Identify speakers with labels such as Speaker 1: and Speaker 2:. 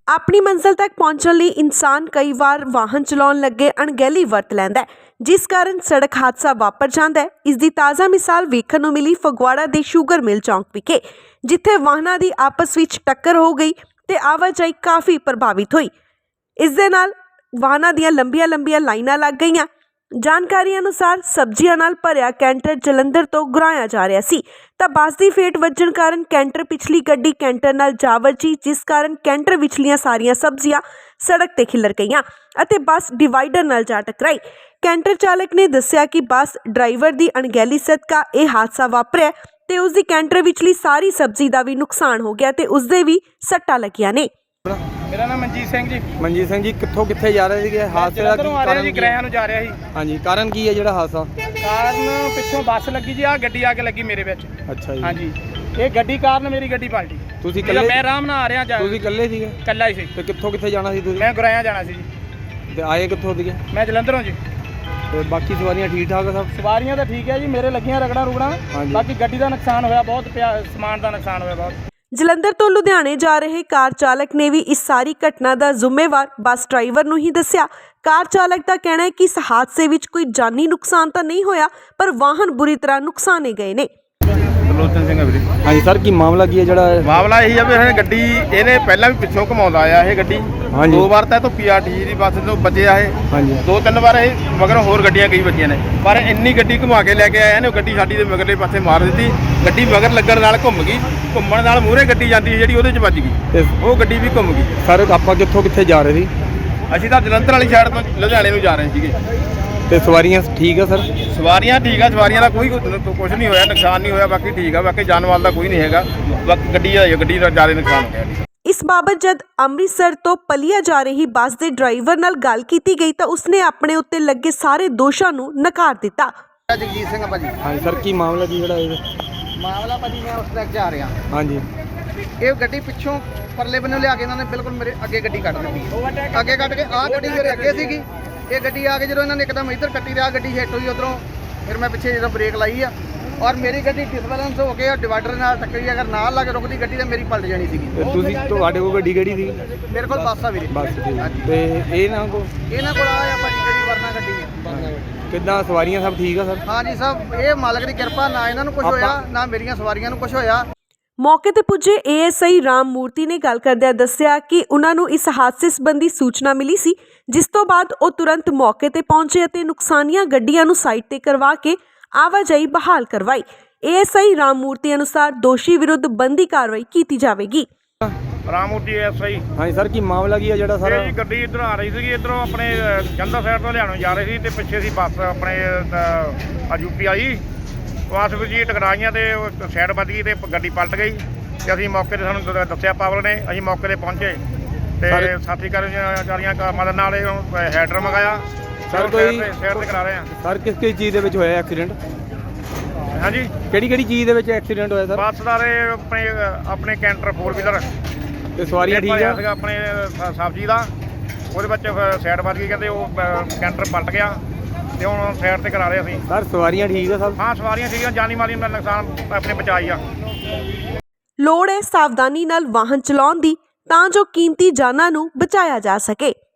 Speaker 1: ਆਪਣੀ ਮੰਜ਼ਿਲ ਤੱਕ ਪਹੁੰਚਣ ਲਈ ਇਨਸਾਨ ਕਈ ਵਾਰ ਵਾਹਨ ਚਲਾਉਣ ਲੱਗੇ ਅਣਗਹਿਲੀ ਵਰਤ ਲੈਂਦਾ ਹੈ, ਜਿਸ ਕਾਰਨ ਸੜਕ ਹਾਦਸਾ ਵਾਪਰ ਜਾਂਦਾ ਹੈ। ਇਸ ਦੀ ਤਾਜ਼ਾ ਮਿਸਾਲ ਵੇਖਣ ਨੂੰ ਮਿਲੀ ਫਗਵਾੜਾ ਦੇ ਸ਼ੂਗਰ ਮਿਲ ਚੌਂਕ ਵਿਖੇ, ਜਿੱਥੇ ਵਾਹਨਾਂ ਦੀ ਆਪਸ ਵਿੱਚ ਟੱਕਰ ਹੋ ਗਈ ਤੇ ਆਵਾਜਾਈ ਕਾਫੀ ਪ੍ਰਭਾਵਿਤ ਹੋਈ। ਇਸ ਦੇ ਨਾਲ ਵਾਹਨਾਂ ਦੀਆਂ ਲੰਬੀਆਂ ਲਾਈਨਾਂ ਲੱਗ ਗਈਆਂ। ਜਾਣਕਾਰੀ ਅਨੁਸਾਰ ਸਬਜ਼ੀਆਂ ਨਾਲ ਭਰਿਆ ਕੈਂਟਰ ਜਲੰਧਰ ਤੋਂ ਗੁਰਾਇਆ ਜਾ ਰਿਹਾ ਸੀ ਤਾਂ ਬੱਸ ਦੀ ਫੇਟ ਵੱਜਣ ਕਾਰਨ ਕੈਂਟਰ ਪਿਛਲੀ ਗੱਡੀ ਕੈਂਟਰ ਨਾਲ ਜਾ ਵੱਜੀ, ਜਿਸ ਕਾਰਨ ਕੈਂਟਰ ਵਿਚਲੀਆਂ ਸਾਰੀਆਂ ਸਬਜ਼ੀਆਂ ਸੜਕ ਤੇ ਖਿਲਰ ਗਈਆਂ ਅਤੇ ਬੱਸ ਡਿਵਾਈਡਰ ਨਾਲ ਜਾ ਟਕਰਾਈ। ਕੈਂਟਰ ਚਾਲਕ ਨੇ ਦੱਸਿਆ ਕਿ ਬੱਸ ਡਰਾਈਵਰ ਦੀ ਅਣਗਹਿਲੀ ਸਦਕਾ ਇਹ ਹਾਦਸਾ ਵਾਪਰਿਆ ਤੇ ਉਸ ਦੀ ਕੈਂਟਰ ਵਿਚਲੀ ਸਾਰੀ ਸਬਜ਼ੀ ਦਾ ਵੀ ਨੁਕਸਾਨ ਹੋ ਗਿਆ ਤੇ ਉਸ ਦੇ ਵੀ ਸੱਟਾਂ ਲੱਗੀਆਂ ਨੇ।
Speaker 2: ਮੇਰਾ ਨਾਮ ਮਨਜੀਤ ਸਿੰਘ ਜੀ।
Speaker 3: ਮਨਜੀਤ ਸਿੰਘ ਜੀ, ਕਿੱਥੇ ਜਾ ਰਹੇ ਸੀਗੇ? ਹਾਦਸੇ ਦਾ
Speaker 2: ਕੀ ਕਾਰਨ ਜੀ? ਕਿਰਾਇਆ ਨੂੰ ਜਾ ਰਿਹਾ ਸੀ।
Speaker 3: ਹਾਂਜੀ, ਕਾਰਨ ਕੀ ਹੈ ਜਿਹੜਾ ਹਾਦਸਾ?
Speaker 2: ਕਾਰਨ ਪਿੱਛੋਂ ਬੱਸ ਲੱਗੀ ਜੀ, ਆ ਗੱਡੀ ਆ ਕੇ ਲੱਗੀ ਮੇਰੇ ਵਿੱਚ।
Speaker 3: ਅੱਛਾ ਜੀ।
Speaker 2: ਹਾਂਜੀ, ਇਹ ਗੱਡੀ ਕਾਰਨ ਮੇਰੀ ਗੱਡੀ ਪਲਟੀ।
Speaker 3: ਤੁਸੀਂ ਇਕੱਲੇ?
Speaker 2: ਮੈਂ ਆਰਾਮ ਨਾਲ ਆ ਰਿਹਾ।
Speaker 3: ਤੁਸੀਂ ਇਕੱਲੇ ਸੀਗੇ?
Speaker 2: ਇਕੱਲਾ ਹੀ ਸੀ।
Speaker 3: ਤੇ ਕਿੱਥੇ ਜਾਣਾ ਸੀ ਤੁਸੀਂ?
Speaker 2: ਮੈਂ ਗੁਰਾਇਆ ਜਾਣਾ ਸੀ ਜੀ।
Speaker 3: ਤੇ ਆਏ ਕਿੱਥੋਂ ਸੀਗੇ?
Speaker 2: ਮੈਂ ਜਲੰਧਰੋਂ ਜੀ।
Speaker 3: ਤੇ ਬਾਕੀ ਸਵਾਰੀਆਂ ਠੀਕ ਠਾਕ ਆ ਸਭ?
Speaker 2: ਸਵਾਰੀਆਂ ਤਾਂ ਠੀਕ ਹੈ ਜੀ, ਮੇਰੇ ਲੱਗੀਆਂ ਰਗੜਾਂ। ਬਾਕੀ ਗੱਡੀ ਦਾ ਨੁਕਸਾਨ ਹੋਇਆ ਬਹੁਤ, ਸਮਾਨ ਦਾ ਨੁਕਸਾਨ ਹੋਇਆ ਬਹੁਤ।
Speaker 1: ਜਲੰਧਰ ਤੋਂ ਲੁਧਿਆਣੇ ਜਾ ਰਹੇ ਕਾਰ ਚਾਲਕ ਨੇ ਵੀ ਇਸ ਸਾਰੀ ਘਟਨਾ ਦਾ ਜ਼ਿੰਮੇਵਾਰ ਬੱਸ ਡਰਾਈਵਰ ਨੂੰ ਹੀ ਦੱਸਿਆ। ਕਾਰ ਚਾਲਕ ਦਾ ਕਹਿਣਾ ਹੈ ਕਿ ਇਸ ਹਾਦਸੇ ਵਿੱਚ ਕੋਈ ਜਾਨੀ ਨੁਕਸਾਨ ਤਾਂ ਨਹੀਂ ਹੋਇਆ, ਪਰ ਵਾਹਨ ਬੁਰੀ ਤਰ੍ਹਾਂ ਨੁਕਸਾਨੇ ਗਏ ਨੇ।
Speaker 2: ਲੋਚਨ ਸਿੰਘ ਵੀਰੇ।
Speaker 3: ਹਾਂਜੀ ਸਰ, ਕੀ ਮਾਮਲਾ ਕੀ ਹੈ? ਜਿਹੜਾ
Speaker 2: ਮਾਮਲਾ ਇਹੀ ਆ ਵੀ ਇਹ ਗੱਡੀ ਇਹਨੇ ਪਹਿਲਾਂ ਵੀ ਪਿੱਛੋਂ ਘਮਾਉਂਦਾ ਆਇਆ ਇਹ ਗੱਡੀ।
Speaker 3: ਹਾਂਜੀ।
Speaker 2: 2 ਵਾਰ ਤਾਂ ਇਹ ਤੋਂ ਪੀਆਰਟੀ ਦੀ ਬੱਸ ਤੋਂ ਬਚਿਆ ਇਹ।
Speaker 3: ਹਾਂਜੀ।
Speaker 2: 2-3 ਵਾਰ ਇਹ ਮਗਰੋਂ ਹੋਰ ਗੱਡੀਆਂ ਕਈ ਵੱਜੀਆਂ ਨੇ, ਪਰ ਇੰਨੀ ਗੱਡੀ ਘੁਮਾ ਕੇ ਲੈ ਕੇ ਆਇਆ ਨੇ, ਗੱਡੀ ਸਾਡੀ ਦੇ ਮਗਰਲੇ ਪਾਸੇ ਮਾਰ ਦਿੱਤੀ। ਗੱਡੀ ਮਗਰ ਲੱਗਣ ਨਾਲ ਘੁੰਮ ਗਈ, ਘੁੰਮਣ ਨਾਲ ਮੂਹਰੇ ਗੱਡੀ ਜਾਂਦੀ ਜਿਹੜੀ ਉਹਦੇ 'ਚ ਵੱਜ ਗਈ, ਉਹ ਗੱਡੀ ਵੀ ਘੁੰਮ ਗਈ।
Speaker 3: ਸਰ ਆਪਾਂ ਕਿੱਥੇ ਜਾ ਰਹੇ ਸੀ?
Speaker 2: ਅਸੀਂ ਤਾਂ ਜਲੰਧਰ ਵਾਲੀ ਸਾਈਡ ਤੋਂ ਲੁਧਿਆਣੇ ਨੂੰ ਜਾ ਰਹੇ ਸੀਗੇ।
Speaker 3: ਤੇ ਸਵਾਰੀਆਂ ਠੀਕ ਆ ਸਰ?
Speaker 2: ਸਵਾਰੀਆਂ ਠੀਕ ਆ, ਸਵਾਰੀਆਂ ਦਾ ਕੋਈ ਕੁਝ ਨਹੀਂ ਹੋਇਆ, ਨੁਕਸਾਨ ਨਹੀਂ ਹੋਇਆ, ਬਾਕੀ ਠੀਕ ਆ। ਬਾਕੀ ਜਾਨ ਮਾਲ ਦਾ ਕੋਈ ਨਹੀਂ ਹੈਗਾ, ਬਾਕੀ ਗੱਡੀ ਦਾ ਜ਼ਿਆਦਾ ਨੁਕਸਾਨ ਹੋ ਗਿਆ।
Speaker 1: ਇਸ ਬਾਬਤ ਜਦ ਅੰਮ੍ਰਿਤਸਰ ਤੋਂ ਪਲੀਆ ਜਾ ਰਹੀ ਬੱਸ ਦੇ ਡਰਾਈਵਰ ਨਾਲ ਗੱਲ ਕੀਤੀ ਗਈ ਤਾਂ ਉਸਨੇ ਆਪਣੇ ਉੱਤੇ ਲੱਗੇ ਸਾਰੇ ਦੋਸ਼ਾਂ ਨੂੰ ਨਕਾਰ ਦਿੱਤਾ।
Speaker 4: ਜਗਜੀਤ ਸਿੰਘ ਭਾਜੀ।
Speaker 3: ਹਾਂਜੀ ਸਰ, ਕੀ ਮਾਮਲਾ ਕੀ ਜਿਹੜਾ ਇਹ?
Speaker 4: ਮਾਮਲਾ ਭਾਜੀ, ਮੈਂ ਉਸ ਤੱਕ ਜਾ ਰਿਹਾ।
Speaker 3: ਹਾਂਜੀ।
Speaker 4: ਇਹ ਗੱਡੀ ਪਿੱਛੋਂ ਪਰਲੇ ਬੰਨੋਂ ਲਿਆ ਕੇ ਇਹਨਾਂ ਨੇ ਬਿਲਕੁਲ ਮੇਰੇ ਅੱਗੇ ਗੱਡੀ ਕੱਢ ਦਿੱਤੀ। ਅੱਗੇ ਕੱਢ ਕੇ ਆਹ ਗੱਡੀ ਮੇਰੇ ਅੱਗੇ ਸੀਗੀ। ਇਹ ਗੱਡੀ ਆ ਕੇ ਜਦੋਂ ਇਹਨਾਂ ਨੇ ਇੱਕਦਮ ਇੱਧਰ ਕੱਟੀ ਤੇ ਆਹ ਗੱਡੀ ਹਿੱਟ ਹੋਈ ਉਧਰੋਂ। ਫਿਰ ਮੈਂ ਪਿੱਛੇ ਜਦੋਂ ਬ੍ਰੇਕ ਲਾਈ ਆ ਔਰ ਮੇਰੀ ਗੱਡੀ ਡਿਸਬੈਲੈਂਸ ਹੋ ਕੇ ਡਿਵਾਈਡਰ ਨਾਲ ਟੱਕਰੀ। ਅਗਰ ਨਾਲ ਲੱਗ ਰੁਕਦੀ ਗੱਡੀ ਤਾਂ ਮੇਰੀ ਪਲਟ ਜਾਣੀ ਸੀਗੀ।
Speaker 3: ਤੇ ਤੁਸੀਂ, ਤੁਹਾਡੇ ਕੋਲ ਗੱਡੀ ਕਿਹੜੀ ਸੀ?
Speaker 4: ਮੇਰੇ ਕੋਲ ਬੱਸ ਆ ਵੀਰੇ।
Speaker 3: ਬੱਸ ਸੀ। ਤੇ ਇਹਨਾਂ ਕੋਲ
Speaker 4: ਆਇਆ ਭਾਜੀ ਗੱਡੀ, ਵਰਨਾ ਗੱਡੀ।
Speaker 3: ਕਿੱਦਾਂ ਸਵਾਰੀਆਂ ਸਭ ਠੀਕ ਆ ਸਰ?
Speaker 4: ਹਾਂਜੀ ਸਭ, ਇਹ ਮਾਲਕ ਦੀ ਕਿਰਪਾ, ਨਾ ਇਹਨਾਂ ਨੂੰ ਕੁਝ ਹੋਇਆ ਨਾ ਮੇਰੀਆਂ ਸਵਾਰੀਆਂ ਨੂੰ ਕੁਝ ਹੋਇਆ।
Speaker 1: ਮੌਕੇ ਤੇ ਪੁੱਜੇ ਏਐਸਆਈ ਰਾਮ ਮੂਰਤੀ ਨੇ ਗੱਲ ਕਰਦਿਆਂ ਦੱਸਿਆ ਕਿ ਉਹਨਾਂ ਨੂੰ ਇਸ ਹਾਦਸੇ ਸੰਬੰਧੀ ਸੂਚਨਾ ਮਿਲੀ ਸੀ, ਜਿਸ ਤੋਂ ਬਾਅਦ ਉਹ ਤੁਰੰਤ ਮੌਕੇ ਤੇ ਪਹੁੰਚੇ ਅਤੇ ਨੁਕਸਾਨੀਆਂ ਗੱਡੀਆਂ ਨੂੰ ਸਾਈਡ ਤੇ ਕਰਵਾ ਕੇ ਆਵਾਜਾਈ ਬਹਾਲ ਕਰਵਾਈ। ਏਐਸਆਈ ਰਾਮ ਮੂਰਤੀ ਅਨੁਸਾਰ ਦੋਸ਼ੀ ਵਿਰੁੱਧ ਬਣਦੀ ਕਾਰਵਾਈ ਕੀਤੀ ਜਾਵੇਗੀ।
Speaker 2: ਰਾਮੂਰਤੀ ਐਸਆਈ।
Speaker 3: ਹਾਂਜੀ ਸਰ, ਕੀ ਮਾਮਲਾ ਕੀ ਹੈ ਜਿਹੜਾ ਸਰ?
Speaker 2: ਇਹ ਗੱਡੀ ਇੱਧਰ ਆ ਰਹੀ ਸੀਗੀ, ਇੱਧਰੋਂ ਆਪਣੇ ਜਲੰਧਰ ਸਾਈਡ ਤੋਂ ਲਿਆਣੋਂ ਜਾ ਰਹੀ ਸੀ ਤੇ ਪਿੱਛੇ ਸੀ ਬੱਸ ਆਪਣੇ ਯੂਪੀ ਆਈ। ਬੱਸ ਵਿੱਚ ਜੀ ਟਕਰਾਈਆਂ ਤੇ ਸਾਈਡ ਵੱਜ ਗਈ ਤੇ ਗੱਡੀ ਪਲਟ ਗਈ ਤੇ ਅਸੀਂ ਮੌਕੇ ਤੇ, ਸਾਨੂੰ ਦੱਸਿਆ ਪਾਵਰ ਨੇ, ਅਸੀਂ ਮੌਕੇ ਤੇ ਪਹੁੰਚੇ ਤੇ ਸਾਥੀ ਕਰਮਚਾਰੀਆਂ ਮਦਦ ਨਾਲ ਇਹ ਹੈਡਰ ਮੰਗਾਇਆ।
Speaker 3: ਸਰ ਕੋਈ
Speaker 2: ਸਾਈਡ ਤੇ ਕਰਾ ਰਹੇ ਆ।
Speaker 3: ਸਰ ਕਿਸ ਚੀਜ਼ ਦੇ ਵਿੱਚ ਹੋਇਆ ਐਕਸੀਡੈਂਟ?
Speaker 2: ਹਾਂਜੀ,
Speaker 3: ਕਿਹੜੀ ਚੀਜ਼ ਦੇ ਵਿੱਚ ਐਕਸੀਡੈਂਟ ਹੋਇਆ ਸਰ?
Speaker 2: ਬੱਸ ਦਾ ਆਪਣੇ ਕੈਂਟਰ 4 ਵੀਲਰ
Speaker 3: ਤੇ ਸਵਾਰੀਆਂ ਠੀਕ ਆ?
Speaker 2: ਆਪਣੇ ਸਬਜ਼ੀ ਦਾ, ਉਹਦੇ ਵਿੱਚ ਸਾਈਡ ਵੱਜ ਗਈ, ਕਹਿੰਦੇ ਉਹ ਕੈਂਟਰ ਪਲਟ ਗਿਆ ਤੇ ਹੁਣ ਸਾਈਡ ਤੇ ਕਰਾ ਰਹੇ ਅਸੀਂ।
Speaker 3: ਸਰ ਸਵਾਰੀਆਂ ਠੀਕ ਆ ਸਰ?
Speaker 2: ਹਾਂ ਸਵਾਰੀਆਂ ਠੀਕ ਆ, ਜਾਨੀ ਮਾਲੀ ਦਾ ਨੁਕਸਾਨ ਆਪਣੇ ਬਚਾਈ ਆ।
Speaker 1: ਲੋੜ ਹੈ ਸਾਵਧਾਨੀ ਨਾਲ ਵਾਹਨ ਚਲਾਉਣ ਦੀ, ਤਾਂ ਜੋ ਕੀਮਤੀ ਜਾਨਾਂ ਨੂੰ ਬਚਾਇਆ ਜਾ ਸਕੇ।